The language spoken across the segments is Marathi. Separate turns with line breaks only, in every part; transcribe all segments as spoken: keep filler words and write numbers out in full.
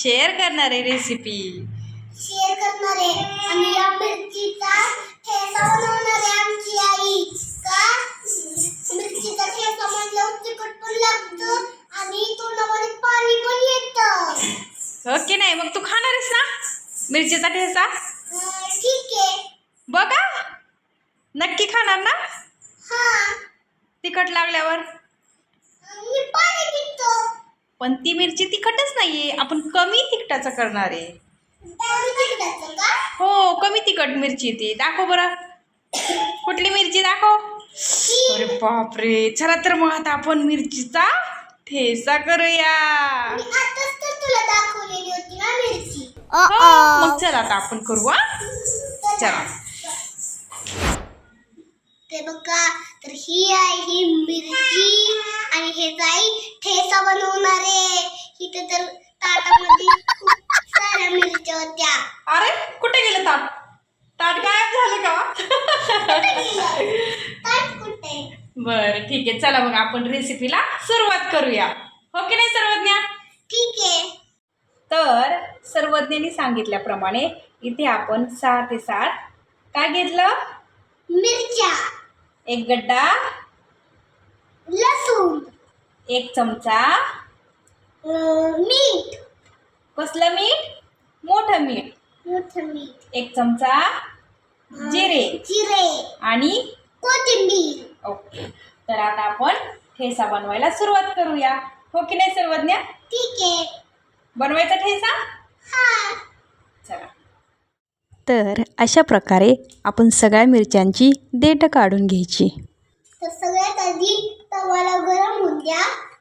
शेअर करणारे रेसिपी
शेअर करणारे आणि या मिरचीचा ठेचा बनवणारे आमची आई का मिरचीचा ठेचा म्हणल्यावर तिखट पण लागतं आणि तोंडामध्ये पाणी पण येतं.
ओके नाही मग तू खाणार आहेस ना मिरचीचा ठेचा?
अं, ठीक आहे.
बघा नक्की खाणार ना
हा
तिखट लागल्यावर?
मी पाणी पितो.
पण ती मिरची तिखटच नाहीये, आपण कमी तिखटाचं करणार आहे.
कमी तिखटाचं का?
हो कमी तिखट मिरची ती. दाखव बरं कुठली मिरची दाखव. अरे बापरे, चला तर मग आता आपण मिरचीचा ठेचा करूया.
मी आताच तर तुला दाखवलेली होती ना मिरची.
हो, मग चला आता आपण करू. हा चला.
ते बघा तर ही आहे ही मिरची आणि हे जाई ठेचा बनवणारे. इथे तर ताटामध्ये खूप साऱ्या मिरच्या होत्या.
अरे कुठे गेलं ताट? ताट गायब झालं का?
कुठे गेलं? ताट कुठे?
बरं ठीक आहे, चला मग आपण रेसिपीला सुरुवात करूया. हो की नाही सर्वज्ञा?
ठीक आहे.
तर सर्वज्ञांनी सांगितल्याप्रमाणे इथे आपण सहा ते सात काय घेतलं?
मिरच्या,
एक गड्डा,
लसूण,
एक चमचा
अं, मीठ,
कसलं मीठ? मोठं मीठ,
मोठं मीठ,
एक चमचा
अं,
जिरे
जिरे,
आणि
कोथिंबीर.
ओके. तर आता आपण ठेचा बनवायला सुरुवात करूया. हो की नाही सर्वज्ञा?
ठीक आहे.
बनवायचा ठेचा?
हा.
चला.
तर अशा प्रकारे आपण सगळ्या मिरच्यांची देठ काढून घ्यायची.
तर सगळ्यात आधी तवाला गरम होऊन द्या.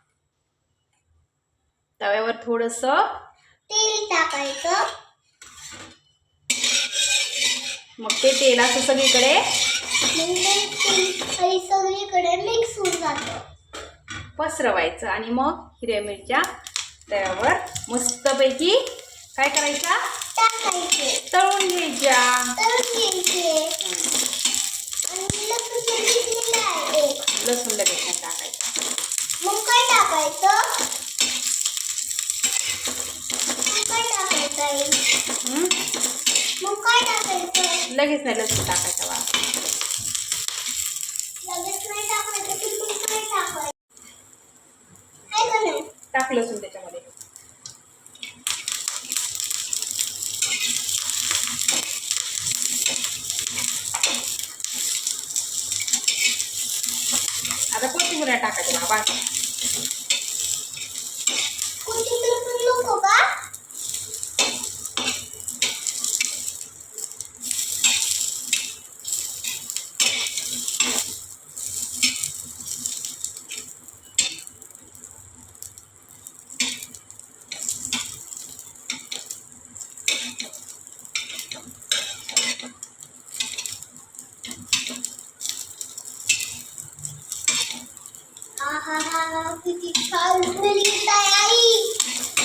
तव्यावर थोडंसं
तेल टाकायचं.
मग ते तेल असं सगळीकडे
मग ते तेल आणि सगळीकडे मिक्स होऊन जातं.
पसरवायचं आणि मग हिरव्या मिरच्या तव्यावर मस्तपैकी काय करायच्या?
टाकायचे.
तळून घ्यायच्या.
तळून घ्यायचे. आणि लसूण तर घेतलेला आहे.
लसूण लगेच नाही टाकायचं.
मग काय टाकायचं? मग काय टाकायचं आई?
हं?
मग काय टाकायचं?
लगेच नाही लसूण टाकायचं बा.
लगेच नाही टाकायचं तर मग काय टाकायचं? काय का नाही?
टाक लसूण त्याच्यामध्ये. आता कोथिंबीर टाकायची बाबा.
कोथिंबीर पण नको का? आहा किती छान स्मेल येत आहे आई.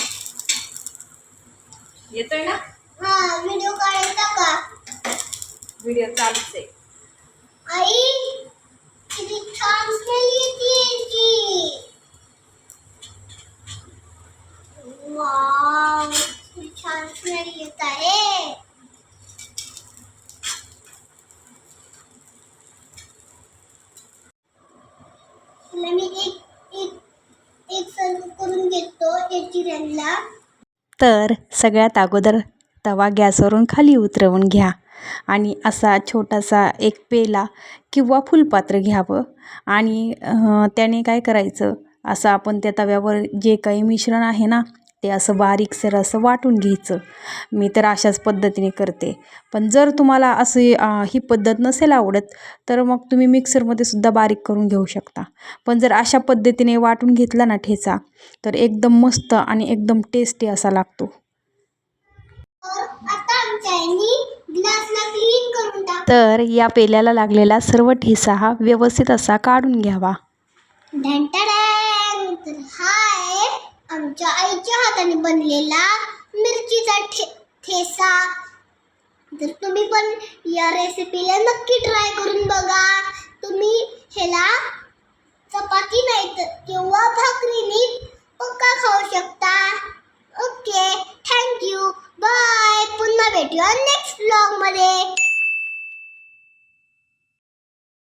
येतोय ना?
हा व्हिडिओ काढायचा का?
व्हिडिओ चालूच आहे.
आई किती छान स्मेल येते की. वाव किती छान स्मेल येत आहे. तुला मी एक एक एक सर्व करून घेतो एक जिऱ्यांना.
तर सगळ्यात अगोदर तवा गॅसवरून खाली उतरवून घ्या आणि असा छोटासा एक पेला किंवा फुलपात्र घ्यावं आणि अं, त्याने काय करायचं, असं आपण त्या तव्यावर जे काही मिश्रण आहे ना ते असं बारीकसर असं वाटून घ्यायचं. मी तर अशाच पद्धतीने करते. पण जर तुम्हाला असे अं, ही पद्धत नसेल आवडत तर मग तुम्ही मिक्सरमध्ये सुद्धा बारीक करून घेऊ शकता. पण जर अशा पद्धतीने वाटून घेतला ना ठेचा तर एकदम मस्त आणि एकदम टेस्टी असा लागतो.
तर आता आमच्या आईनी ग्लासला क्लीन करून टाक.
तर या पेल्याला लागलेला सर्व ठेचा हा व्यवस्थित असा काढून घ्यावा.
ढंटाडॅन. तर हा आहे आमच्या आईच्या हाताने बनलेला मिरचीचा ठे ठेचा. तर तुम्ही पण या रेसिपीला नक्की ट्राय करून बघा. तुम्ही ह्याला चपाती नाही तर किंवा भाकरीने पक्का खाऊ शकता. ओके. भेटूया नेक्स्ट व्लॉग मध्ये.